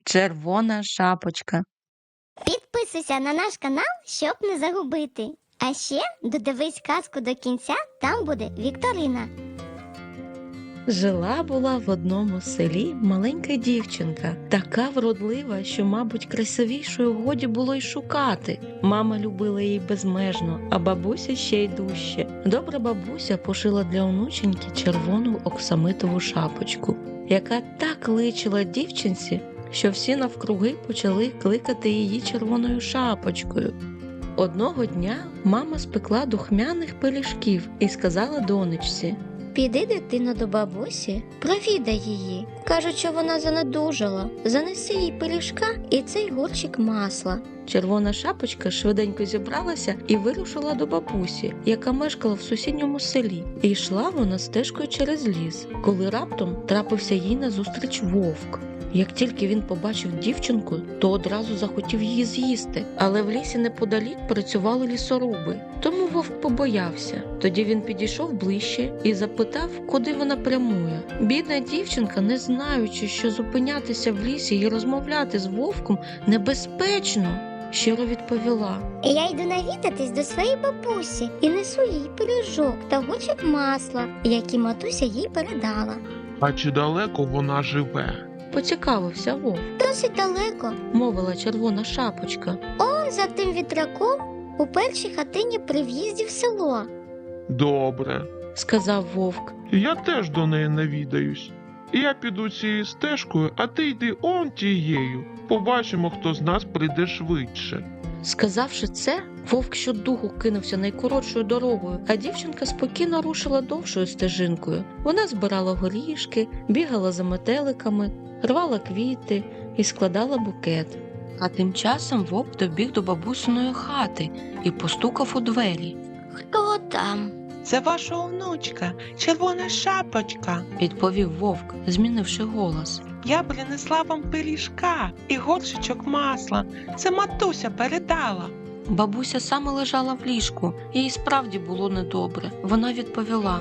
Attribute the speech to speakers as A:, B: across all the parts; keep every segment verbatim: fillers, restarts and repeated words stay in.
A: Червона шапочка.
B: Підписуйся на наш канал, щоб не загубити. А ще додивись казку до кінця, там буде вікторина.
A: Жила-була в одному селі маленька дівчинка, така вродлива, що, мабуть, красивішою годі було й шукати. Мама любила її безмежно, а бабуся ще й дужче. Добра бабуся пошила для онученьки червону оксамитову шапочку, яка так личила дівчинці, що всі навкруги почали кликати її червоною шапочкою. Одного дня мама спекла духмяних пиріжків і сказала донечці:
C: Піди, дитино, до бабусі, провідай її. Кажуть, що вона занедужала. Занеси їй пиріжка і цей горщик масла.
A: Червона шапочка швиденько зібралася і вирушила до бабусі, яка мешкала в сусідньому селі. І йшла вона стежкою через ліс, коли раптом трапився їй назустріч вовк. Як тільки він побачив дівчинку, то одразу захотів її з'їсти, але в лісі неподалік працювали лісоруби, тому вовк побоявся. Тоді він підійшов ближче і запитав, куди вона прямує. Бідна дівчинка, не знаючи, що зупинятися в лісі і розмовляти з вовком небезпечно, щиро відповіла:
B: Я йду навідатись до своєї бабусі і несу їй пиріжок та горщик масла, які матуся їй передала.
D: А чи далеко вона живе?
A: Поцікавився вовк.
B: Досить далеко.
A: Мовила червона шапочка.
B: Он за тим вітраком у першій хатині при в'їзді в село.
D: Добре.
A: Сказав вовк.
D: Я теж до неї навідаюсь. Я піду цією стежкою, а ти йди он тією. Побачимо, хто з нас прийде швидше.
A: Сказавши це, вовк щодуху кинувся найкоротшою дорогою, а дівчинка спокійно рушила довшою стежинкою. Вона збирала горішки, бігала за метеликами, рвала квіти і складала букет. А тим часом вовк добіг до бабусиної хати і постукав у двері.
B: Хто там?
E: Це ваша онучка, червона шапочка.
A: Відповів вовк, змінивши голос.
E: Я принесла вам пиріжка і горшечок масла. Це матуся передала.
A: Бабуся саме лежала в ліжку, їй справді було недобре. Вона відповіла: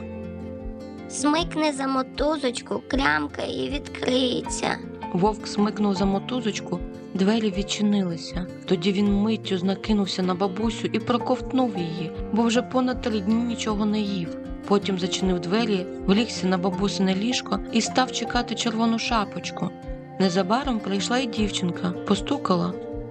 B: Смикни за мотузочку, клямка і відкриється.
A: Вовк смикнув за мотузочку, двері відчинилися. Тоді він миттю накинувся на бабусю і проковтнув її, бо вже понад три дні нічого не їв. Потім зачинив двері, влігся на бабусине ліжко і став чекати червону шапочку. Незабаром прийшла й дівчинка, постукала.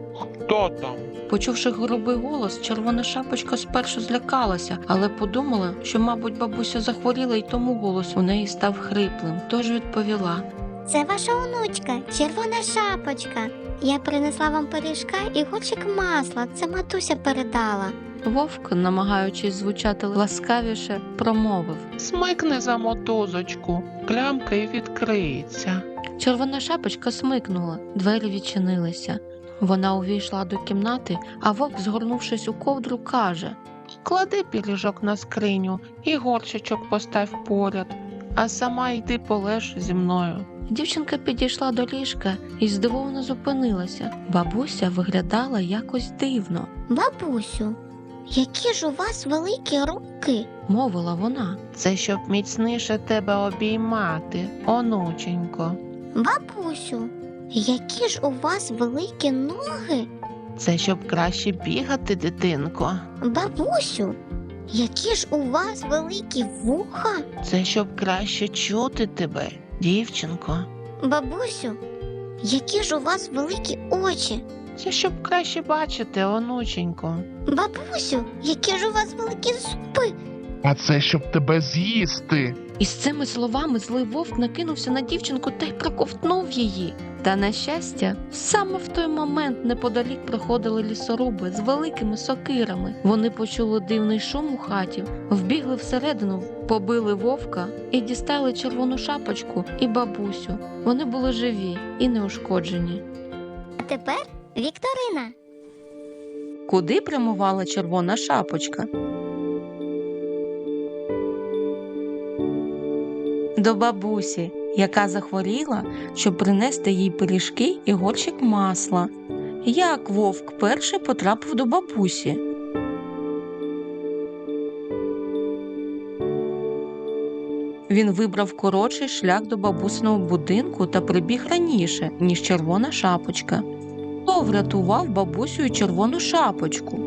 D: Хто там?
A: Почувши грубий голос, червона шапочка спершу злякалася, але подумала, що, мабуть, бабуся захворіла, і тому голос у неї став хриплим. Тож відповіла:
B: Це ваша онучка, червона шапочка. Я принесла вам пиріжка і горщик масла, це матуся передала.
A: Вовк, намагаючись звучати ласкавіше, промовив:
E: Смикни за мотузочку, клямка і відкриється.
A: Червона шапочка смикнула, двері відчинилися. Вона увійшла до кімнати, а вовк, згорнувшись у ковдру, каже:
E: Клади пиріжок на скриню і горшечок постав поряд, а сама йди полеж зі мною.
A: Дівчинка підійшла до ліжка і здивовано зупинилася. Бабуся виглядала якось дивно.
B: Бабусю, які ж у вас великі руки?
A: Мовила вона.
E: Це щоб міцніше тебе обіймати, онученько.
B: Бабусю, які ж у вас великі ноги?
E: Це щоб краще бігати, дитинко.
B: Бабусю, які ж у вас великі вуха?
E: Це щоб краще чути тебе, дівчинко.
B: Бабусю, які ж у вас великі очі?
E: Це щоб краще бачити, онученько.
B: Бабусю, які ж у вас великі зуби?
D: А це щоб тебе з'їсти.
A: Із цими словами злий вовк накинувся на дівчинку та й проковтнув її. Та, на щастя, саме в той момент неподалік проходили лісоруби з великими сокирами. Вони почули дивний шум у хаті, вбігли всередину, побили вовка і дістали червону шапочку і бабусю. Вони були живі і неушкоджені.
B: А тепер вікторина.
A: Куди прямувала червона шапочка? До бабусі, яка захворіла, щоб принести їй пиріжки і горщик масла. Як вовк перший потрапив до бабусі? Він вибрав коротший шлях до бабусиного будинку та прибіг раніше, ніж Червона шапочка. Хто врятував бабусю і Червону шапочку?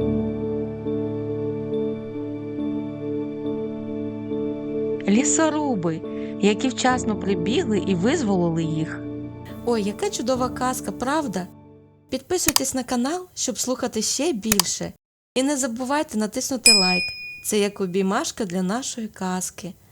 A: Лісоруби, які вчасно прибігли і визволили їх.
F: Ой, яка чудова казка, правда? Підписуйтесь на канал, щоб слухати ще більше. І не забувайте натиснути лайк. Це як обіймашка для нашої казки.